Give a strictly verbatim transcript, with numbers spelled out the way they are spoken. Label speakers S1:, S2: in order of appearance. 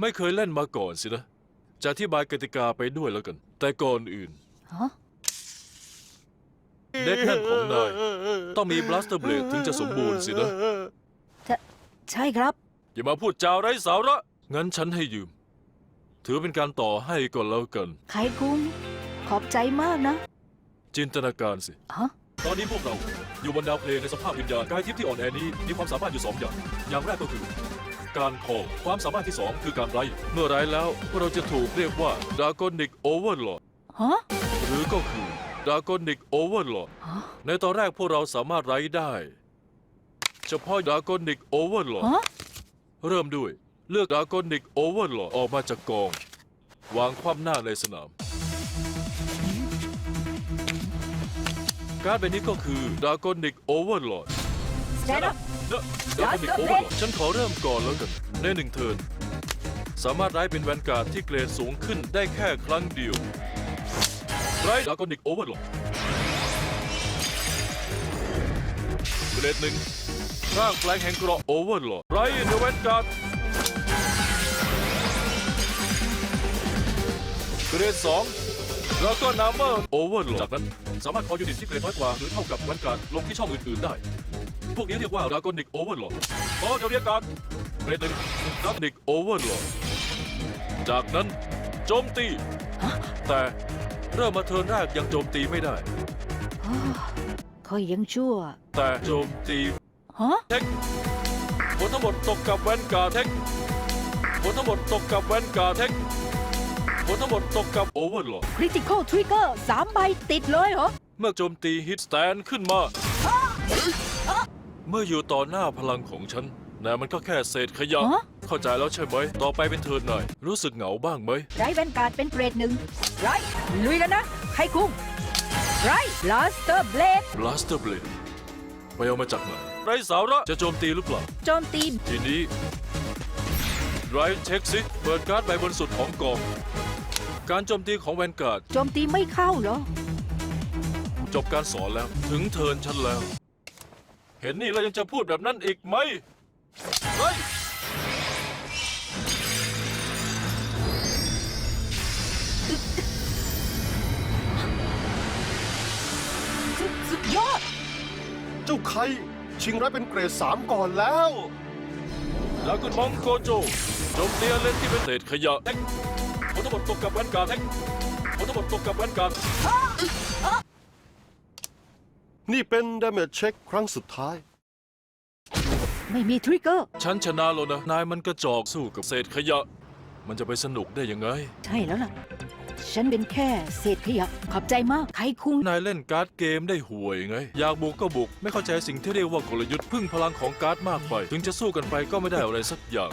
S1: ไม่เคยเล่นมาก่อนสินะจะอธิบายกติกาไปด้วยแล้วกัน แต่ก่อนอื่น
S2: ฮะ
S1: เด็กนั่นของนายต้องมีบลัสเตอร์เบลดถึงจะสมบูรณ์สินะ
S2: ใช่ครับ
S1: อย่ามาพูดจาไร้สาระ งั้นฉันให้ยืม ถือเป็นการต่อให้ก่อนแล้วกัน
S2: ไขคุงขอบใจมากนะ
S1: จินตนาการสิ
S2: ฮะ
S1: ตอนนี้พวกเราอยู่บนดาวเพลงในสภาพวิญญาณกายทิพย์ที่อ่อนแอนี้มีความสามารถอยู่สองอย่าง อย่างแรกก็คือ การคอความสามารถที่สองคือการไร้เมื่อไร้แล้วพวกเราจะถูกเรียกว่าดากอนิกโอเวอร์ลอด
S2: ฮะ
S1: หรือก็คือดากอนิกโอเวอร์ลอด
S2: ฮะ
S1: ในตอนแรกพวกเราสามารถไร้ได้ เฉพาะดากอนิกโอเวอร์ลอด
S2: ฮะ
S1: เริ่มด้วยเลือกดากอนิกโอเวอร์ลอดออกมาจากกอง วางคว่ำหน้าในสนาม การ์ดใบนี้ก็คือดากอนิกโอเวอร์ลอด
S2: Stand up
S1: ดากอนิกโอเวอร์ลอดฉันขอเริ่มก่อนแล้วกัน ในหนึ่งเทิร์นสามารถไร้เป็นแวนการ์ดที่เกรดสูงขึ้นได้แค่ครั้งเดียวไร้ดากอนิกโอเวอร์ลอดเกรดหนึ่งร่างแปลงแห่งเกราะโอเวอร์ลอดไร้ในแวนการ์ดเกรดสองแล้วก็นาเมอร์โอเวอร์ลอดจากนั้นสามารถขอยูนิตที่เกรดน้อยกว่าหรือเท่ากับแวนการ์ดลงที่ช่องอื่นๆได้ พวกนี้เรียกว่าดากอนิกโอเวอร์ลอดขอเดี๋ยวเรียกการเกรดหนึ่งดากอนิกโอเวอร์ลอดจากนั้นโจมตี แต่เริ่มมาเทิร์นแรกยังโจมตีไม่ได้
S2: อ้าวเขายังชั่ว
S1: แต่โจมตี
S2: ฮะ
S1: เทคผลทั้งหมดตกกับแวนการ์ดเทคผลทั้งหมดตกกับแวนการ์ดเทคผลทั้งหมดตกกับโอเวอร์ลอด
S2: Critical Trigger สามใบติดเลยเหรอ
S1: เมื่อโจมตีฮิตสแตนขึ้นมา เมื่ออยู่ต่อหน้าพลังของฉันแต่มันก็แค่เศษขยะ
S2: ฮะ
S1: เข้าใจแล้วใช่ไหม ต่อไปเป็นเทิร์นหน่อย รู้สึกเหงาบ้างไหม
S2: ไรแวนการ์ดเป็นเกรดหนึ่งไรลุยกันนะไขคุงไร Blaster Blade
S1: Blaster Blade ไปเอามาจากไหนไรสาระจะโจมตีหรือเปล่า
S2: โจมตี
S1: ทีนี้ไรเช็คซิเปิดการ์ดใบบนสุดของกอง การโจมตีของแวนการ์ด
S2: โจมตีไม่เข้าเหรอ
S1: จบการสอนแล้ว ถึงเทิร์นฉันแล้ว เห็นนี่แล้วยังจะพูดแบบนั้นอีกไหมเฮ้ย
S2: สุดสุดยอด
S3: เจ้าไคชิงร้ายเป็นเกรดสามก่อนแล้ว
S1: ดรากุนมองโกโจโจมตีเลนที่เป็นเศษขยะเทคผลทั้งหมดตกกับแวนการ์ดเทคผลทั้งหมดตกกับแวนการ์ด
S3: นี่เป็น damage check ครั้งสุดท้าย
S2: ไม่มีทริกเกอร์
S1: ฉันชนะแล้วนะ นายมันกระจอกสู้กับเศษขยะ มันจะไปสนุกได้ยังไง
S2: ใช่แล้วล่ะ ฉันเป็นแค่เศษขยะ ขอบใจมากไขคุง
S1: นายเล่นการ์ดเกมได้ห่วยไง อยากบุกก็บุก ไม่เข้าใจสิ่งที่เรียกว่ากลยุทธ์พึ่งพลังของการ์ดมากไป ถึงจะสู้กันไปก็ไม่ได้อะไรสักอย่าง